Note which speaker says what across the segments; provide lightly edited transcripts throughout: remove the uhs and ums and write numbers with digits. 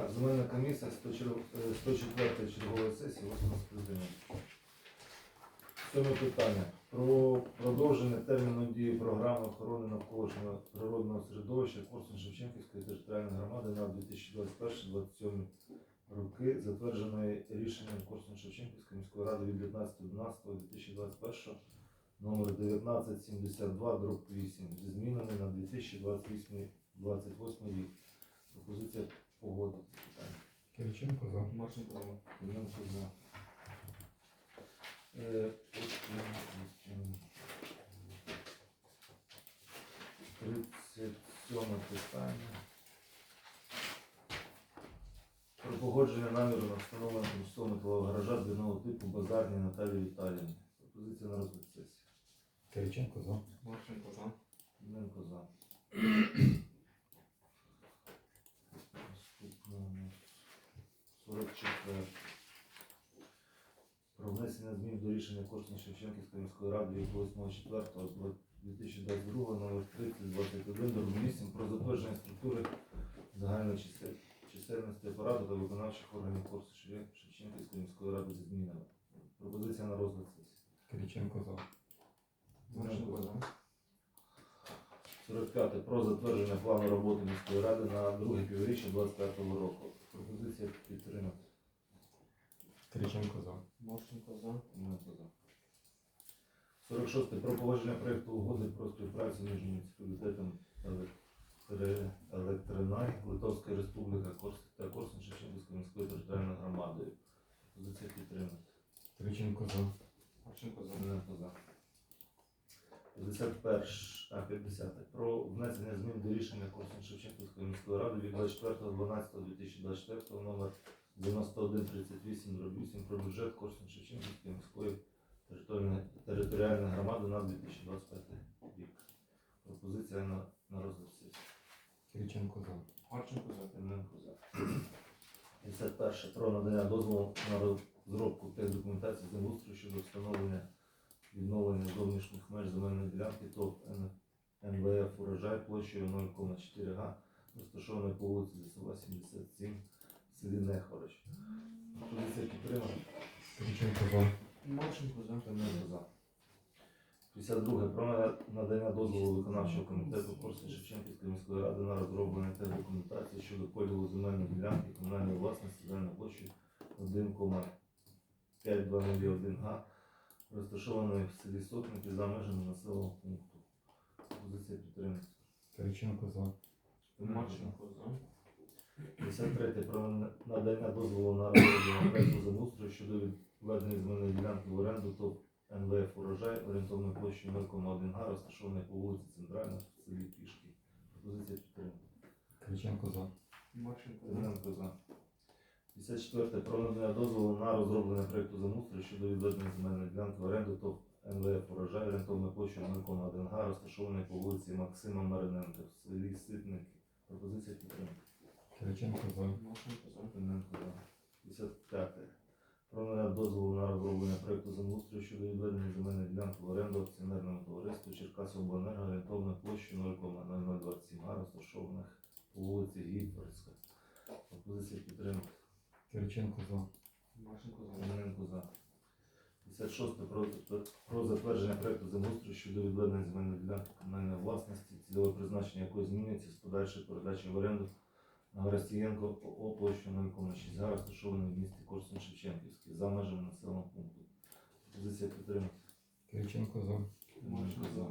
Speaker 1: Так, земельна комісія 104 чергової сесії 8 скликання. Сьоме питання. Про продовження терміну дії програми охорони навколишнього природного середовища Корсунь-Шевченківської територіальної громади на 2021-2027 роки, затвердженої рішенням Корсунь-Шевченківської міської ради від 19.12.2021 номер 1972/8 зі змінами на 2028 рік. Пропозиція погодити.
Speaker 2: Кириченко за.
Speaker 3: Марченко за.
Speaker 1: Клименко за. 37 питання. Про погодження наміру на встановлення тимчасового металового гаража двійного типу Базарній Наталії Віталіївні. Пропозиція на розгляд сесії.
Speaker 2: Кириченко за.
Speaker 3: Марченко за.
Speaker 1: Клименко за. Наступна у нас 44. Про внесення змін до рішення Корсунь-Шевченківської міської ради від 8.04.2022 номер 3021/8 про затвердження структури загальної чисельності апарату та виконавчих органів Корсунь-Шевченківської міської ради зі змінами. Пропозиція на розгляд сесії.
Speaker 2: Кириченко за.
Speaker 3: Марченко за.
Speaker 1: 45. Про затвердження плану роботи міської ради на друге півріччя 2025 року. Пропозиція підтримати.
Speaker 2: Кириченко за.
Speaker 3: Марченко за.
Speaker 1: Клименко за. 46. Про погодження проєкту угоди про співпрацю між муніципалітетом Електринай Литовської Республіки та Корсунь-Шевченківської міської територіальної громадою. Пропозиція підтримати.
Speaker 2: Кириченко за.
Speaker 3: Марченко за.
Speaker 1: Клименко за. 50. Про внесення змін до рішення Корсунь-Шевченківської міської ради від 24.12.2024 номер 9138/8 про бюджет Корсунь-Шевченківської міської територіальної громади на 2025 рік. Пропозиція на розгляд сесії.
Speaker 2: Кириченко за.
Speaker 3: Марченко за.
Speaker 1: Клименко за. 51. Про надання дозволу на розробку техдокументації землеустрою щодо встановлення відновлення зовнішніх меж земельної ділянки ТОВ НВФ «Урожай» площею 0,4 га, розташованої по вулиці Лісова, 77 в селі Нехворощ. Пропозиція підтримана.
Speaker 2: Кириченко за.
Speaker 3: Марченко за.
Speaker 1: Клименко за. 52. Про надання дозволу виконавчого комітету Корсунь-Шевченківської міської ради на розроблення техдокументації щодо поділу земельної ділянки комунальної власності загальною площею 1,5201 га, розташованої в селі Сотники за межами населеного пункту. Позиція підтримки.
Speaker 2: Кириченко за.
Speaker 3: Марченко за.
Speaker 1: 53. Про надання дозволу на розроблення проекту землеустрою щодо відведення земельної ділянки в оренду ТОВ НВФ «Урожай» орієнтовною площею 0,1 га, розташованої по вулиці Центральна в селі Пішки. Пропозиція підтримки.
Speaker 2: Кириченко за.
Speaker 3: Марченко за.
Speaker 1: Клименко за. 54. Про надання дозволу на розроблення проекту землеустрою щодо відведення земельної ділянки в оренду ТОВ НВФ «Урожай» орієнтовною площею 0,1 га, розташованої по вулиці Максима Мариненка в селі Ситники. Пропозиція підтримки.
Speaker 2: Кириченко за.
Speaker 3: Марченко за.
Speaker 1: Клименко за. 55. Про надання дозволу на розроблення проекту землеустрою щодо відведення земельної ділянки в оренду акціонерному товариству Черкасобленерго орієнтовною площею 0,0027 га, розташованих по вулиці Гітворська. Пропозиція підтримки.
Speaker 2: Кириченко за.
Speaker 3: Марченко за.
Speaker 1: Клименко за. 56. Про затвердження проекту землеустрою щодо відведення земельної ділянки комунальної власності, цільове призначення якої змінюється з подальшої передачі в оренду на Горостієнко ООО площею 0,6 га, розташованої в місті Корсунь-Шевченківський за межами населеного пункту. Пропозиція підтримки.
Speaker 2: Кириченко за.
Speaker 3: Марченко за.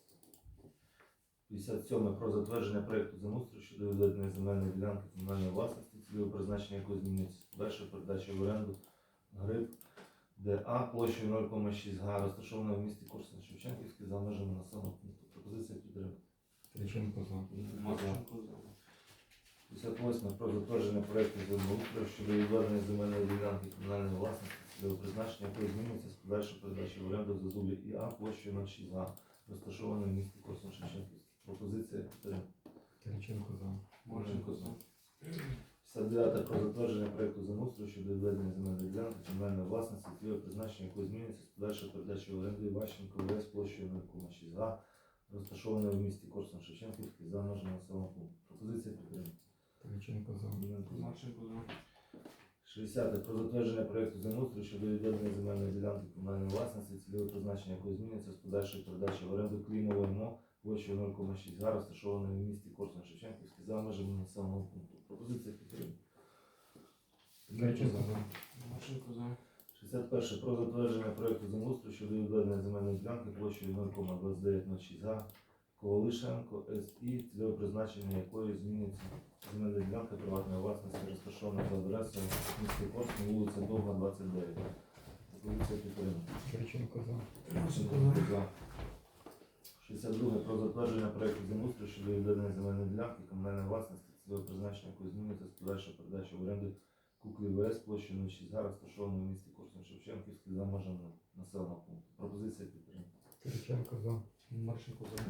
Speaker 1: 57. Про затвердження проекту землеустрою щодо відведення земельної ділянки комунальної власності, цільове призначення якої змінюється з подальшої передачі в оренду Гриб ДА площею 0,6 га, розташованої в місті Корсунь-Шевченківський за межами населеного пункту. Пропозиція підтримки.
Speaker 2: Кириченко за.
Speaker 3: Марченко за.
Speaker 1: 58. Про затвердження проекту землеустрою щодо відведення земельної ділянки комунальної власності, цільове призначення якої змінюється з подальшої передачі в оренду Зазубі ІА площею 0,6 га, розташованої в місті Корсунь-Шевченківський. Пропозиція підтримки.
Speaker 2: Кириченко за.
Speaker 3: Марченко за.
Speaker 1: 59. Про затвердження проекту землеустрою щодо відведення земельної ділянки комунальної власності, цільове призначення якої змінюється з подальшої передачі в оренду Іващенко ВС площею 0,6 га, розташованої в місті Корсунь-Шевченківський за межами населеного пункту. Пропозиція підтримки.
Speaker 2: Кириченко за.
Speaker 1: Тимненко за.
Speaker 3: Марченко за.
Speaker 1: 60. Про затвердження проєкту землеустрою щодо відведення земельної ділянки комунальної власності, цільове призначення якої зміниться з подальшої передачі в оренду Клімової МО площею 0,6 га, розташованої в місті Корсунь-Шевченківський за межами населеного пункту. Пропозиція підтримки.
Speaker 2: Кириченко за.
Speaker 3: Марченко за.
Speaker 1: 61. Про затвердження проєкту землеустрою щодо відведення земельної ділянки площею 0,2906 га Ковалишенко СІ, цільове призначення якої зміниться земельна ділянка приватної власності, розташована за адресою міста Корсунь, вулиця Довга, 29. Пропозиція підтримки.
Speaker 2: Кириченко за.
Speaker 3: Марченко за.
Speaker 1: 62. Про затвердження проєкту землеустрою щодо відведення земельної ділянки комунальної власності, цільове призначення якої зміниться з подальшою передачою в оренду Куклі ВС площею 06 га, розташованої в місті Корсунь-Шевченківський за межами населеного пункту. Пропозиція підтримки.
Speaker 2: Кириченко за.
Speaker 3: Марченко за.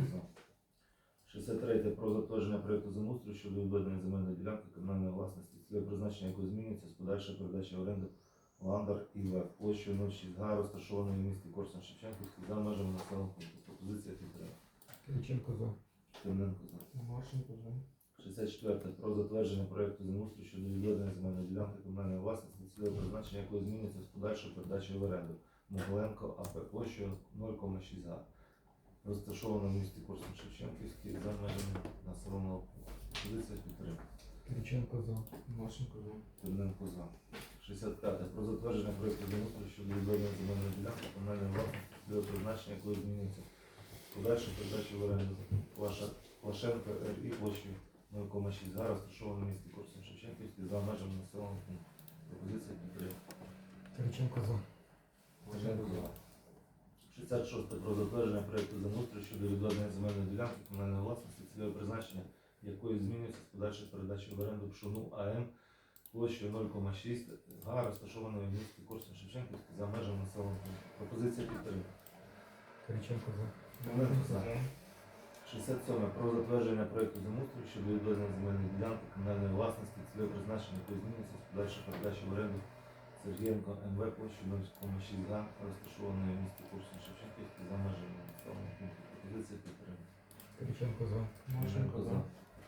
Speaker 1: 63. Про затвердження проєкту землеустрою щодо відведення земельної ділянки комунальної власності, цільове призначення якої зміниться з подальшою передачею в оренду Ландар ІВ площею 06 га, розташованої в місті Корсунь-Шевченківський за межами населеного пункту. Пропозиція підтримки.
Speaker 2: Кириченко за.
Speaker 1: Тимненко за.
Speaker 3: Марченко за.
Speaker 1: 64. Про затвердження проєкту землеустрою щодо відведення земельної ділянки комунальної власності, цільове призначення якої зміниться з подальшою передачею в оренду Могиленко АП площею 0,6 га, розташовано в місті Корсунь-Шевченківський за межами населеного пункту. Позиція підтримки.
Speaker 2: Кириченко за.
Speaker 3: Марченко за.
Speaker 1: Тимненко за. 65. Про затвердження проєкту землеустрою щодо відведення земельної ділянки комунальної власності, цільове призначення якої зміниться з подальшою передачею в оренду Лашенко РІ площею 0,6 га, розташовано в місті Корсунь-Шевченківський за межами населеного пункту. Пропозиція підтримки.
Speaker 2: Кириченко за.
Speaker 1: Тимненко за. 66. Про затвердження проєкту землеустрою щодо відведення земельної ділянки комунальної власності, цільове призначення якої змінюється з подальшою передачею в оренду Пшону АМ площею 0,6 га, розташованої в місті Корсунь-Шевченківський за межами населеного пункту. Пропозиція підтримки.
Speaker 2: Кириченко за.
Speaker 1: Тимненко за. 67. Про затвердження проєкту землеустрою щодо відведення земельної ділянки комунальної власності, цільове призначення якої змінюється з подальшою передачею в оренду Сергієнко МВ площею 0,6 га, розташованої в місті Корсунь-Шевченківський за межами населеного пункту. Пропозиція підтримки.
Speaker 2: Кириченко за.
Speaker 3: Марченко за.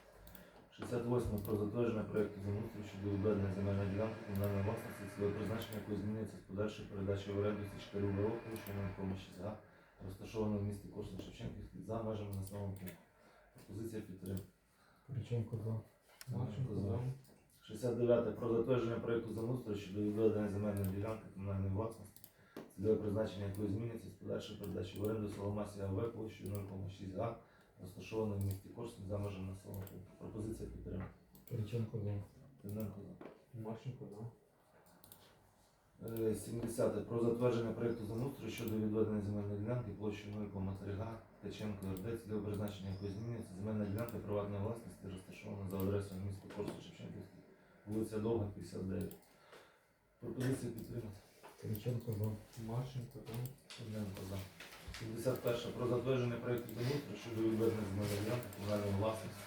Speaker 1: 68. Про затвердження проєкту землеустрою щодо відведення земельної ділянки комунальної власності, цільове призначення якої змінюється з подальшою передачею в оренду Січкарю ВО площею 0,6 га, розташованої в місті Корсунь-Шевченківський за межами населеного пункту. Пропозиція підтримки.
Speaker 2: Кириченко за.
Speaker 3: Марченко за.
Speaker 1: 69. Про затвердження проєкту землеустрою щодо відведення земельної ділянки комунальної власності, цільове призначення якої зміниться з подальшою передачею в оренду Соломасі АВ площею 0,6 га, розташованої в місті Корсунь за межами населеного пункту. Пропозиція підтримки.
Speaker 2: Кириченко за.
Speaker 1: Тимненко за.
Speaker 3: Марченко за.
Speaker 1: 70. Про затвердження проєкту землеустрою щодо відведення земельної ділянки площею 0,3 га Ткаченко РД, цільове призначення якої змінюється, земельна ділянка приватної власності, розташована за адресою міста Корсунь-Шевченківський, вулиця Довга, 59. Пропозиція підтримати.
Speaker 2: Кириченко за.
Speaker 3: Марченко за.
Speaker 1: Тимненко за. 71. Про затвердження проєкту землеустрою щодо відведення земельної ділянки комунальної власності,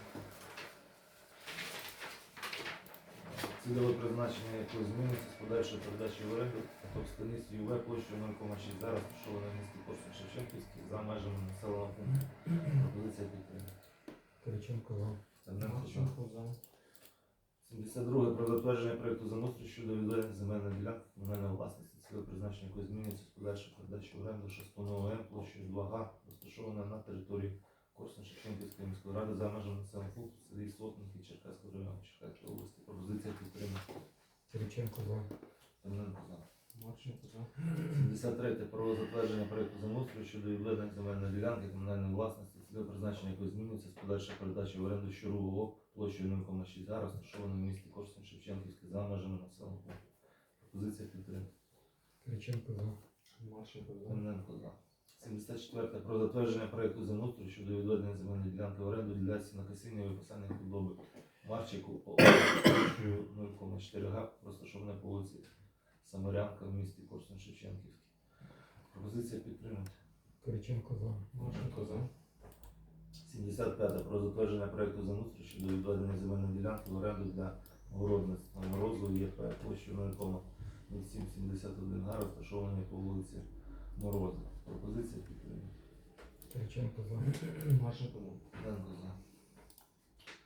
Speaker 1: цільове призначення якої зміниться з подальшою передачею в оренду Товстаниці ЮВ площею 0,6 га, розташована в місті Корсунь-Шевченківський за межами населеного пункту. Пропозиція підтримки.
Speaker 2: Кириченко за.
Speaker 1: Тимненко за.
Speaker 3: Марченко за.
Speaker 1: 72. Про затвердження проєкту землеустрою щодо відведення земельної ділянки комунальної власності, цільове призначення якої зміниться з подальшою передачею в оренду Шастунову М площею 2 га, розташована на території Корсунь-Шевченківської міської ради за межами населеного пункту в селі Сотники Черкаського району Черкаської області. Пропозиція підтримки.
Speaker 2: Кириченко за.
Speaker 1: Тимненко за.
Speaker 3: Марченко за.
Speaker 1: 73. Про затвердження проєкту землеустрою щодо відведення земельної ділянки комунальної власності, цільове призначення якої змінюється з подальшою передачею в оренду Щурового площею 0,6 га, розташовано в місті Корсунь-Шевченківський за межами населеного пункту. Пропозиція підтримки.
Speaker 2: Кириченко за.
Speaker 3: Марченко за.
Speaker 1: Тимненко за. 74. Про затвердження проєкту землеустрою щодо відведення земельної ділянки в оренду для сінокосіння і виписання худоби Марчику площею 0,4 га, розташована по вулиці Самарянка в місті Корсунь-Шевченківський. Пропозиція підтримати.
Speaker 2: Кириченко за.
Speaker 3: Марченко за.
Speaker 1: 75. Про затвердження проєкту землеустрою щодо відведення земельної ділянки в оренду для городництва Морозу ЄП площею 0,0771 га, розташованої по вулиці Мороза. Пропозиція підтримати.
Speaker 2: Кириченко за.
Speaker 3: Марченко за.
Speaker 1: Тимненко за.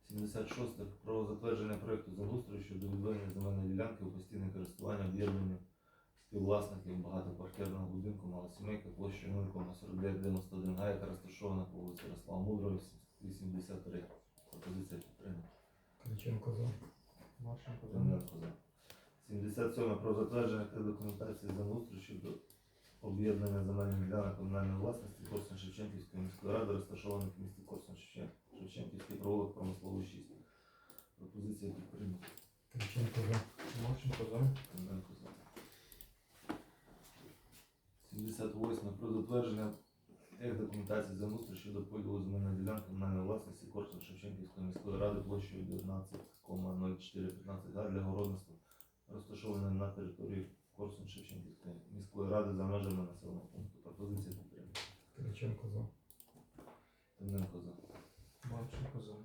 Speaker 1: 76. Про затвердження проєкту землеустрою щодо відведення земельної ділянки у постійне користування об'єднанню співвласників багатоквартирного будинку малосімейка площею 0,4991 га, яка розташована по вулиці Ярослава Мудрого, 83. Пропозиція підтримана.
Speaker 2: Кириченко за.
Speaker 3: Марченко за.
Speaker 1: Клименко за. 77. Про затвердження та документації землеустрою щодо об'єднання земельних ділянок комунальної власності Корсунь-Шевченківської міської ради, розташованих в місті Корсунь-Шевченківський провулок промисловий 6. Пропозиція підтримана.
Speaker 2: Кириченко за.
Speaker 3: Марченко за.
Speaker 1: Клименко за. 78. Про затвердження документації землеустрою щодо поділу земельної ділянки комунальної власності Корсунь-Шевченківської міської ради площею 19,0415 га для городництва, розташованої на території Корсунь-Шевченківської міської ради за межами населеного пункту. Пропозиція підтримана.
Speaker 2: Кириченко за.
Speaker 1: Тимненко за.
Speaker 3: Марченко за.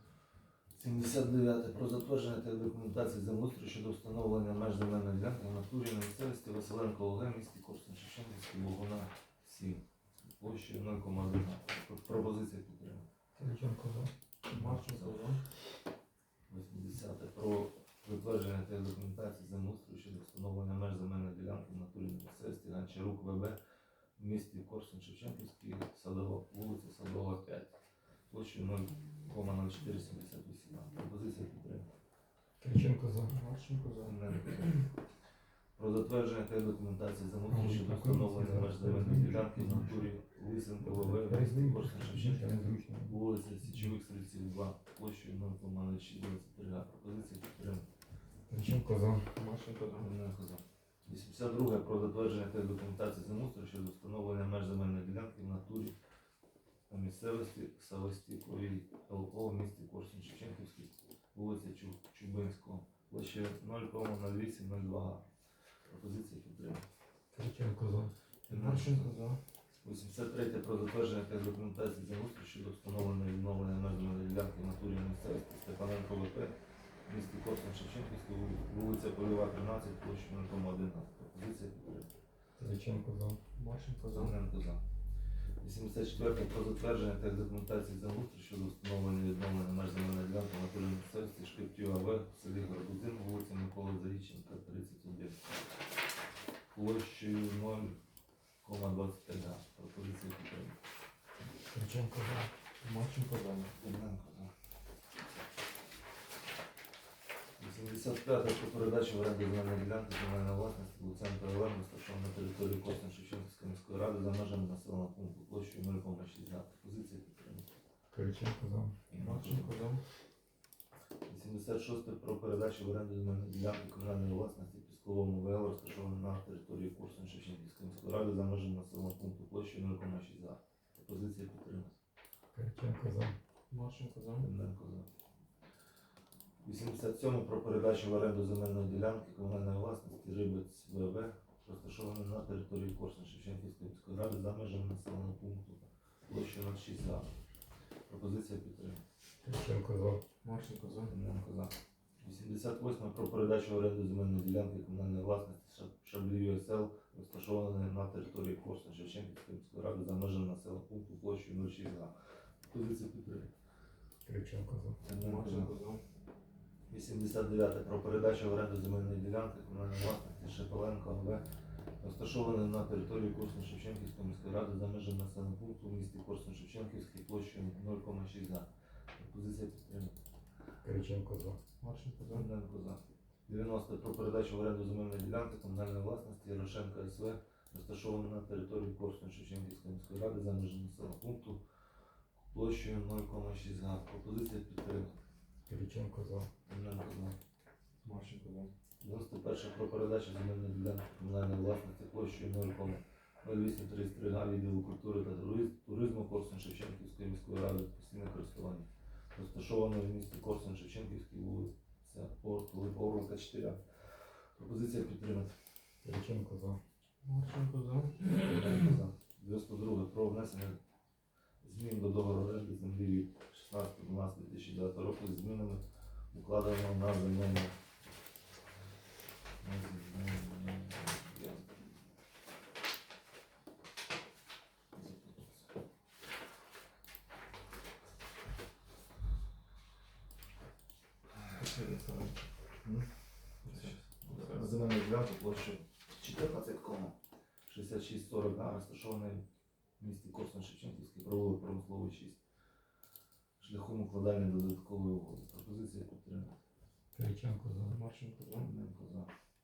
Speaker 1: 79. Про затвердження та документації землеустрою щодо встановлення меж земельної ділянки в натурі на місцевості Василенко ОГ, місті Корсунь-Шевченківський, Лугуна 7. Площею 0,1 га. Пропозиція підтримана.
Speaker 2: Кириченко за.
Speaker 3: Марченко за.
Speaker 1: 80. Про затвердження та документації землеустрою щодо встановлення меж земельної ділянки в натурі на місцевості Гончарук ВБ в місті Корсунь-Шевченківський, вулиця Садова 5. Площею 0,0478 га. Пропозиція підтримана.
Speaker 2: Кириченко за.
Speaker 3: Марченко за.
Speaker 1: Тимненко за. Про затвердження та документації замовлення щодо встановлення меж земельної ділянки в натурі Лисенко ВВ в місті Корсунь-Шевченківський, вулиця Січових Стрільців 2, площею 0,0623 га. Пропозиція підтримана.
Speaker 2: Кириченко за.
Speaker 3: Марченко за.
Speaker 1: Тимненко за. 82. Про затвердження та документації замовлення щодо встановлення меж земельної ділянки в натурі на місцевості Савостіковій ЛО в місті Корсунь-Шевченківський, вулиця Чубинського, площею 0,0802 га. Пропозиція підтримана.
Speaker 2: Кириченко за.
Speaker 3: Марченко за.
Speaker 1: 83. Про затвердження та документації землеустрою щодо встановлення і відновлення меж земельної ділянки в натурі на місцевості Степаненко ВП в місті Корсунь-Шевченківський, вулиця Польова 13, площею 0,1 га. Пропозиція підтримана.
Speaker 2: Кириченко за.
Speaker 3: Марченко за.
Speaker 1: Тимненко за. 84. Про затвердження та документації землеустрою щодо встановлення і відновлення меж земельної ділянки в натурі на місцевості Шкриптів АВ в селі Горбузин, вулиця Миколи Заріченка 31. Площею 0,25 га. Пропозиція підтримана.
Speaker 2: Кириченко за.
Speaker 3: Марченко за.
Speaker 1: Тимненко за. 85. Про передачу в оренду земельної ділянки комунальної власності Луценко ЛМ, розташована на території Корсунь-Шевченківської міської ради за межами населеного пункту площею 0,6 га. Пропозиція підтримана.
Speaker 2: Кириченко за.
Speaker 3: Марченко за.
Speaker 1: 86. Про передачу в оренду земельної ділянки комунальної власності Пісковому ВЛ, розташована на території Корсунь-Шевченківської міської ради за межами населеного пункту площею 0,6 га. Пропозиція підтримана.
Speaker 2: Кириченко за.
Speaker 3: Марченко за.
Speaker 1: Тимненко за. 87. Про передачу в оренду земельної ділянки комунальної власності Рибець ВВ, розташованої на території Корсунь-Шевченківської міської ради за межами населеного пункту площею 0,6 га. Пропозиція підтримана.
Speaker 2: Кириченко за.
Speaker 3: Марченко за.
Speaker 1: Тимненко за. 88. Про передачу в оренду земельної ділянки комунальної власності Шаблів'ю СЛ, розташованої на території Корсунь-Шевченківської міської ради за межами населеного пункту площею 0,6 га. Пропозиція підтримана.
Speaker 2: Кириченко за.
Speaker 1: Тимненко за.
Speaker 3: Марченко за.
Speaker 1: 89. Про передачу в оренду земельної ділянки комунальної власності Шепеленко АВ, розташованої на території Корсунь-Шевченківської міської ради за межами населеного пункту в місті Корсунь-Шевченківський площею 0,6 га. Пропозиція підтримана.
Speaker 2: Кириченко за.
Speaker 3: Марченко за.
Speaker 1: Тимненко за. 90. Про передачу в оренду земельної ділянки комунальної власності Ярошенка СВ, розташованої на території Корсунь-Шевченківської міської ради за межами населеного пункту площею 0,6 га. Пропозиція підтримана.
Speaker 2: Кириченко за.
Speaker 1: Тимненко за.
Speaker 3: Марченко за.
Speaker 1: 91. Про передачу земельної ділянки комунальної власності площею 0,0833 га відділу культури та туризму Корсунь-Шевченківської міської ради постійне користування, розташованої в місті Корсунь-Шевченківській, вулиця Орлика 4. Пропозиція підтримати.
Speaker 2: Кириченко за.
Speaker 3: Марченко за.
Speaker 1: 92. Про внесення змін до договору оренди землі від 16.12.2009 року з змінами, укладеного на земельну.
Speaker 3: Посередині ставимо.
Speaker 1: На земельну ділянку площею 14,6640 га, розташований в місті Корсунь-Шевченківський, провулок Промисловий 6, шляхом укладання додаткової угоди. Пропозиція підтримати.
Speaker 2: Кириченко за.
Speaker 3: Марченко за.
Speaker 1: Клименко за.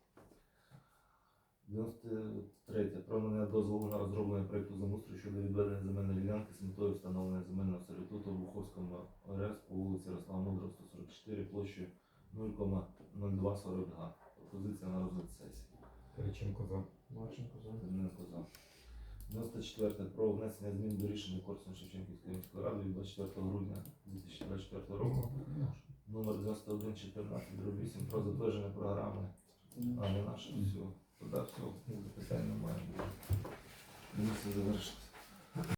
Speaker 1: 93. Про надання дозволу на розроблення проєкту землеустрою щодо відведення земельної ділянки з метою встановлення земельного сервітуту в Буховському ОРС по вулиці Ярослава Мудрого, 144, площею 0,0240 га. Пропозиція на розгляд сесії.
Speaker 2: Кириченко за.
Speaker 3: Марченко за.
Speaker 1: Клименко за. 94. Про внесення змін до рішення Корсунь-Шевченківської міської ради від 24 грудня 2024 року номер 9114/8 про затвердження програми. А не наше все. Туди все. Питань немає. Комісія завершилася.